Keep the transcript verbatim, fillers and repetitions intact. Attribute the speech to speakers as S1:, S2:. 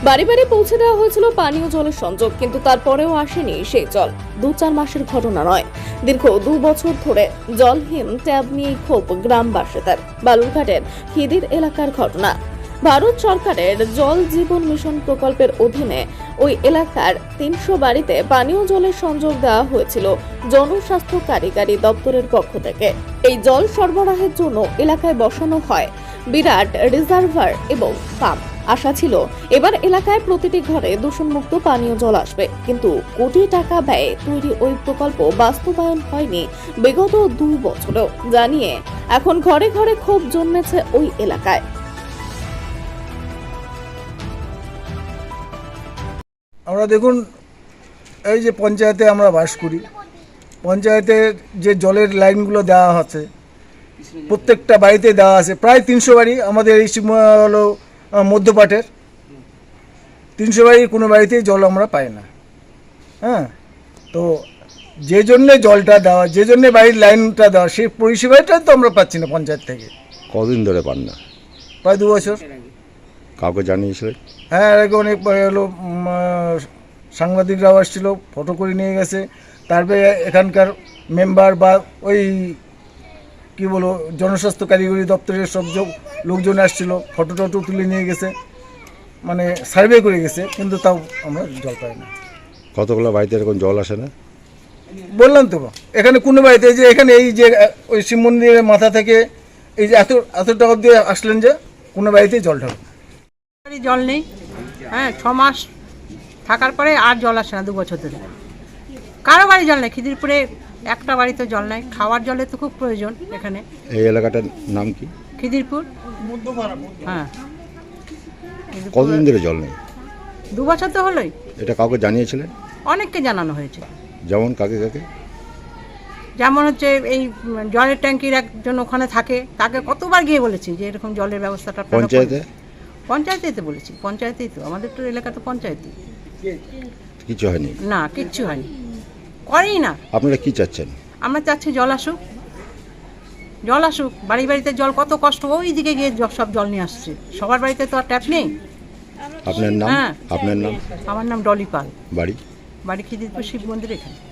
S1: বাড়ি বাড়ি পৌঁছে দেওয়া হয়েছিল পানীয় জলের সংযোগ, কিন্তু তারপরেও আসেনি সেই জল। দু চার মাসের ঘটনা নয়, দীর্ঘ দু বছর ধরে জলহীন ট্যাব নিয়ে ক্ষোভ গ্রামবাসীদের। বালুরঘাটের খিদির এলাকার ঘটনা। ভারত সরকারের জল জীবন মিশন প্রকল্পের অধীনে ওই এলাকার তিনশো বাড়িতে পানীয় জলের সংযোগ দেওয়া হয়েছিল জনস্বাস্থ্য কারিগরি দপ্তরের পক্ষ থেকে। এই জল সরবরাহের জন্য এলাকায় বসানো হয় বিরাট রিজার্ভার এবং পাম্প। আশা ছিল এবার এলাকায় প্রতিটি ঘরে দূষণমুক্ত পানীয় জল আসবে, কিন্তু কোটি টাকা ব্যয়ে তৈরি ওই প্রকল্প বাস্তবায়ন হয়নি বিগত দুই বছরেও। জানিয়ে এখন ঘরে ঘরে ক্ষোভ জন্মেছে ওই এলাকায়।
S2: আমরা দেখুন, এই যে পঞ্চায়েতে আমরা বাস করি, পঞ্চায়েতের যে জলের লাইনগুলো দেওয়া আছে প্রত্যেকটা বাড়িতে দেওয়া আছে। প্রায় তিনশো বাড়ি আমাদের এই হলো মধ্যপাটের তিনশো বাড়ির কোনো বাড়িতেই জল আমরা পাই না। হ্যাঁ, তো যে জন্যে জলটা দেওয়া, যে জন্যে বাড়ির লাইনটা দেওয়া, সেই পরিষেবাটা তো আমরা পাচ্ছি না পঞ্চায়েত থেকে।
S3: কদিন ধরে পান না?
S2: প্রায় দু বছর।
S3: কাউকে জানিয়েছিলেন?
S2: হ্যাঁ, এর আগে অনেক হলো সাংবাদিকরাও আসছিল, ফটো করে নিয়ে গেছে। তারপরে এখানকার মেম্বার বা ওই কী বলো জনস্বাস্থ্য কারিগরি দপ্তরের সব লোকজন আসছিল, ফটো টটো তুলে নিয়ে গেছে, মানে সার্ভে করে গেছে, কিন্তু তাও আমরা জল পাই না।
S3: কতগুলো বাড়িতে এরকম জল আসে না?
S2: বললাম তো, এখানে কোনো বাড়িতে যে এখানে এই যে ওই শিব মন্দিরের মাথা থেকে এই যে এত এত টাকা দিয়ে আসলেন, যে কোনো বাড়িতেই জল ঢাল
S4: জল নেই। হ্যাঁ, ছ মাস থাকার পরে আর জল আসে না, দু বছর ধরে কারো বাড়ি জল নেই। খিদিরপুরে একটা বাড়িতে জল নেই, খাওয়ার জলের তো খুব প্রয়োজন এখানে।
S3: এই এলাকাটার নাম কি?
S4: খিদিরপুর। হ্যাঁ,
S3: কতদিন ধরে জল নেই?
S4: দু বছর তো হলোই।
S3: এটা কাউকে জানিয়েছিলেন?
S4: অনেককে জানানো হয়েছে।
S3: যেমন কাকে কাকে?
S4: যেমন হচ্ছে এই জলের ট্যাঙ্কির একজন ওখানে থাকে, তাকে কতবার গিয়ে বলেছি যে এরকম জলের ব্যবস্থাটা আপনারা করুন।
S3: পঞ্চায়েতে?
S4: পঞ্চায়েতেই তো বলেছি, পঞ্চায়েতেই তো আমাদের তো এলাকা তো পঞ্চায়েতই।
S3: কিছু হয়নি?
S4: না, কিচ্ছু হয়নি, করেই না।
S3: আপনারা কি চাচ্ছেন?
S4: আমরা চাচ্ছি জল আসুক, জল আসুক। বাড়ি বাড়িতে জল কত কষ্ট, ওই দিকে গিয়ে সব জল নিয়ে আসছে। সবার বাড়িতে তো আর ট্যাপ নেই।
S3: আপনার নাম?
S4: হ্যাঁ,
S3: আপনার নাম?
S4: আমার নাম ডলি পাল।
S3: বাড়ি?
S4: বাড়ি খিদিরপুর শিব মন্দির এখানে।